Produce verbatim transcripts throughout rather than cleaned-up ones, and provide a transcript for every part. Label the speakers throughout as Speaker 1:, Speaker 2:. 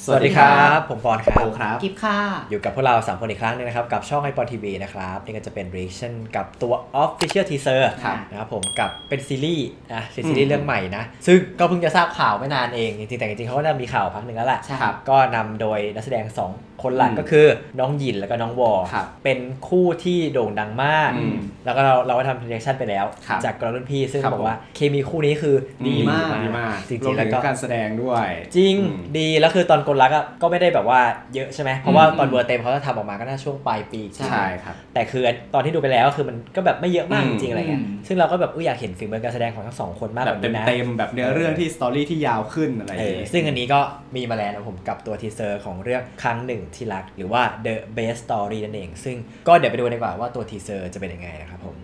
Speaker 1: สวัสดีครับผมปอนครับ
Speaker 2: โอครับ
Speaker 3: กิฟค่ะ
Speaker 1: อยู่กับพวกเราสามคนอีกครั้งนึงนะครับกับช่องไอปอนทีวีนะครับนี่ก็จะเป็น reaction กับตัว Official Teaser นะครับผมกับเป็นซีรีส์นะซีรีส์เรื่องใหม่นะซึ่งก็เพิ่งจะทราบข่าวไม่นานเองจริงๆแต่จริงๆเขาก็ได้มีข่าวพักหนึ่งแล้วแหละก็นำโดยนักแสดงสองคนหลักก็คือน้องหยินแล้วก็น้องวอเป็นคู่ที่โด่งดังมากแล้วก็เราเราก็ทำ reaction ไปแล้วจากกรรุ่นพี่ซึ่งบอกว่าเคมีคู่นี้คือดีมาก
Speaker 2: ดีมาก
Speaker 1: จริงๆแล้วก็
Speaker 2: การแสดงด้วย
Speaker 1: จริงดีแล้วคือตอนกลรักก็ไม่ได้แบบว่าเยอะใช่ไหมเพราะว่าตอนเวอร์เต็มเขาจะทำออกมาก็น่าช่วงปลายปี
Speaker 2: ใช่ครับ
Speaker 1: แต่คือตอนที่ดูไปแล้วคือมันก็แบบไม่เยอะมากจริงๆอะไรเงี้ยซึ่งเราก็แบบอยากเห็นฝีมือการแสดงของทั้งสองคนมาก
Speaker 2: แบบเต็มๆแบบเนื้อเรื่องที่สตอรี่ที่ยาวขึ้นอะไรอย่างเงี้ย
Speaker 1: ซึ่งอันนี้ก็มีมาแล้วนะผมกับตัวทีเซอร์ของเรื่องครั้งหนึ่งที่รักหรือว่า The Best Story นั่นเองซึ่งก็เดี๋ยวไปดูดีกว่าว่าตัวทีเซอร์จะเป็นยังไงนะครับผม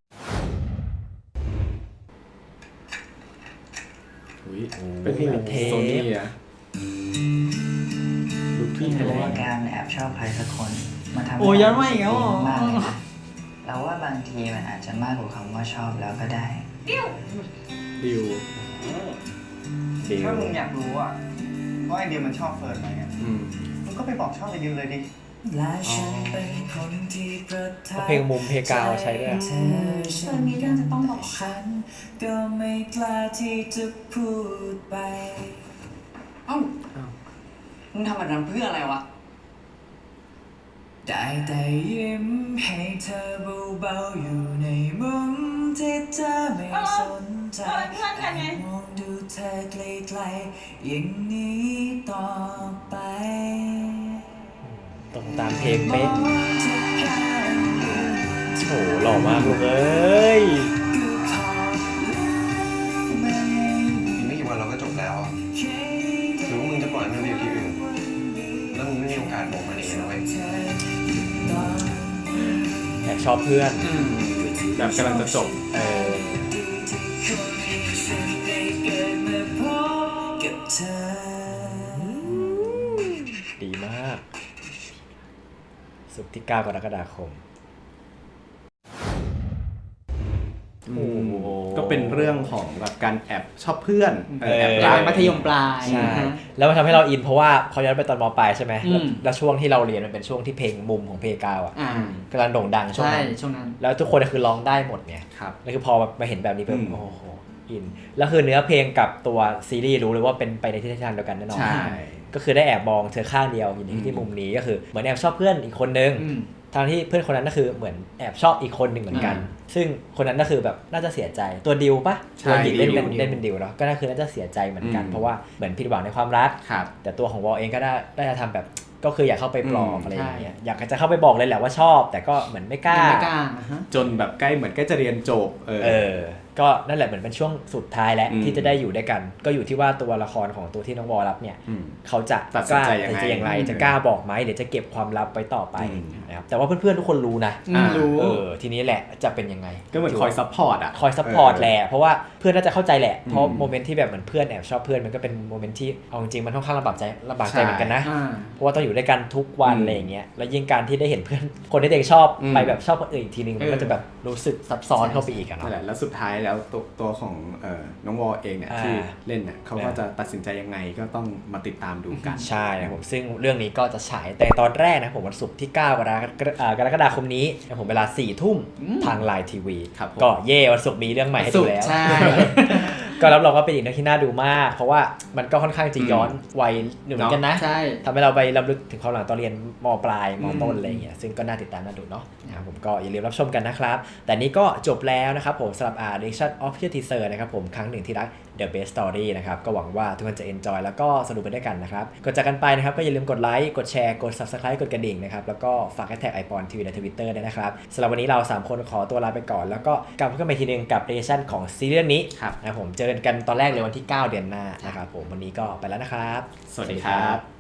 Speaker 2: เป็นเทปโซนี่อะ
Speaker 3: ดูพี่เรื่องการแอบชอบใครสักคนมาทำให้
Speaker 4: โอ้ย้อนมาอีกแล้ว
Speaker 3: มากเลยนะเราว่าบางทีมันอาจจะมากกว่าคำว่าชอบแล้วก็ได้
Speaker 2: ดิวดิว
Speaker 4: ถ้ามึงอยากรู้อ่ะว่าไอเดียมันชอบเฟิร์นไหมอ่ะมึงก็ไปบอกชอบไอเดียเลยดิ
Speaker 1: เพลงมุมเพลงกาวใช้ด้วย
Speaker 5: เฟิร์นมีเรื่องจะต้องบอกค่ะ
Speaker 3: ก็ไม่กล้าที่จะพูดไป
Speaker 4: เอ้ามึงทำแบบนั้นเพื่ออะไรวะ
Speaker 3: ได้แต่ยิ้มให้เธอเบาๆอยู่ในมุมที่เธอไม่สนใจมองดูเธอไกลๆอย่างนี้ต่อไป
Speaker 1: ตรงตามเพลงเป๊ะโอ้หล่อมากลูกเอ้ย
Speaker 6: อีกไม่กี่วันเราก็จบแล้วหรือว่ามึงจะปล่อยมันไปอยู่ที่อื่นแล้วมึงไม่มีโอกาสบอกมันเองนะเว้ย
Speaker 1: แอบชอบเพื่อน
Speaker 2: แบบกำลังจะจบ
Speaker 1: เออดีมากศุกร์ที่เก้ากรกฎาคม
Speaker 2: ก็เป็นเรื่องของแบบการแอบชอบเพื่อน
Speaker 1: แ
Speaker 2: อบ
Speaker 4: รักมัธยมปลาย
Speaker 1: ใช่แล้วมันทำให้เราอินเพราะว่าเขาย้อนไปตอนม.ปลายใช่ไหมแล้วช่วงที่เราเรียนมันเป็นช่วงที่เพลงมุมของเพลงกาวอ่ะกำลังโด่งดังช่วงนั้นแล้วทุกคนคือร้องได้หมดเนี่ยแล้วคือพอมาเห็นแบบนี้เพิ่มโอ้โหอินแล้วคือเนื้อเพลงกับตัวซีรีส์รู้เลยว่าเป็นไปในทิศทางเดียวกันแน่นอนก็คือได้แอบมองเธอข้างเดียวอยู่ที่มุมนี้ก็คือเหมือนแอบชอบเพื่อนอีกคนนึงทางที่เพื่อนคนนั้นก็คือเหมือนแอบชอบอีกคนหนึ่งเหมือนกันซึ่งคนนั้นก็คือแบบน่าจะเสียใจตัวดิวปะตัวหญิงเล่นเป็นเล่นเป็นดิวเนาะก็น่าคือน่าจะเสียใจเหมือนกันเพราะว่าเหมือนผิดหวังในความรักแต่ตัวของวอลเองก็ได้ได้ทำแบบก็คืออยากเข้าไปปลอบอะไรอย่างเงี้ยอยากจะเข้าไปบอกเลยแหละว่าชอบแต่ก็เหมือนไม่กล้า
Speaker 2: จนแบบใกล้เหมือนใกล้จะเรียนจบ
Speaker 1: เออก็นั่นแหละเหมือนเป็นช่วงสุดท้ายแล้วที่จะได้อยู่ด้วยกันก็อยู่ที่ว่าตัวละครของตัวที่น้องวอลรับเนี่ยเขาจะ
Speaker 2: กล้า
Speaker 1: จะอย่างไรจะกล้าบอกไหมเดี๋ยวจะเก็บความลับไว้ต่อไปนะครับแต่ว่าเพื่อนๆทุกคนรู้นะ
Speaker 4: รู้
Speaker 1: เออทีนี้แหละจะเป็นยังไง
Speaker 2: ก็เหมือนคอยซัพพอร์ตอ่ะ
Speaker 1: คอยซัพพอร์ตแหละเพราะว่าเพื่อนน่าจะเข้าใจแหละเพราะโมเมนต์ที่แบบเหมือนเพื่อนแอบชอบเพื่อนมันก็เป็นโมเมนต์ที่เอาจริงมันค่อนข้างลำบากใจลำบากใจเหมือนกันนะเพราะว่าต้องอยู่ด้วยกันทุกวันอะไรอย่างเงี้ยแล้วยิ่งการที่ได้เห็นเพื่อนคนที่เด็กชอบไปแบบชอบคนอื่นอีกทีนึงมันก็จะแบบรู้สึกซับซ้อนเข้าไปอีกอ่ะเนาะ
Speaker 2: แล้วสุดท้ายแล้วตัวของน้องวอลเองเนี่ยที่เล่นเนี่ยเขาก็จะตัดสินใจยังไงก็ต้องมาติดตามดูกัน
Speaker 1: ใช่ครับผมซึ่งเรื่องนี้ก็จะฉายแต่ตอนแรกนะผมวันศุกร์ที่เก้ากรกฎาคมนี้ผมเวลาสี่ทุ่มทางไลน์ทีวีก็เย่วันศุกร์มีเรื่องใหม่ให้ดูแล้วก็รับรองว่าเป็นอีกเรื่องที่น่าดูมากเพราะว่ามันก็ค่อนข้างจะย้อนวัยหนึ่งเหมือนกันนะทำให้เราไปรำลึกถึงความหลังตอนเรียนม.ปลายม.ต้นอะไรอย่างเงี้ยซึ่งก็น่าติดตามน่าดูเนาะนะครับผมก็อย่าลืมรับชมกันนะครับแต่นี้ก็จบแล้วนะครับผมสำหรับ reaction Official Teaser นะครับผมครั้งหนึ่งที่รัก The Best Story นะครับก็หวังว่าทุกคนจะ enjoy แล้วก็สนุกไปด้วยกันนะครับก่อนจากกันไปนะครับก็อย่าลืมกดไลค์กดแชร์กด Subscribe กดกระดิ่งนะครับแล้วก็ฝากแท็กไอปอนทีวีใน Twitter ด้วยนะครับสำหรับวันนี้เราสามคนขอตัวลาไปก่อนแล้วก็กลับมาพบกันใหม่ทีนึงกับ reaction ของซีรีส์นี้นะครับผมเจอกันตอนแรกเลยวันที่เก้าเดือนหน้านะครับผมวันนี้ก็ไปแล้วนะครับ
Speaker 2: สวัสดีครับ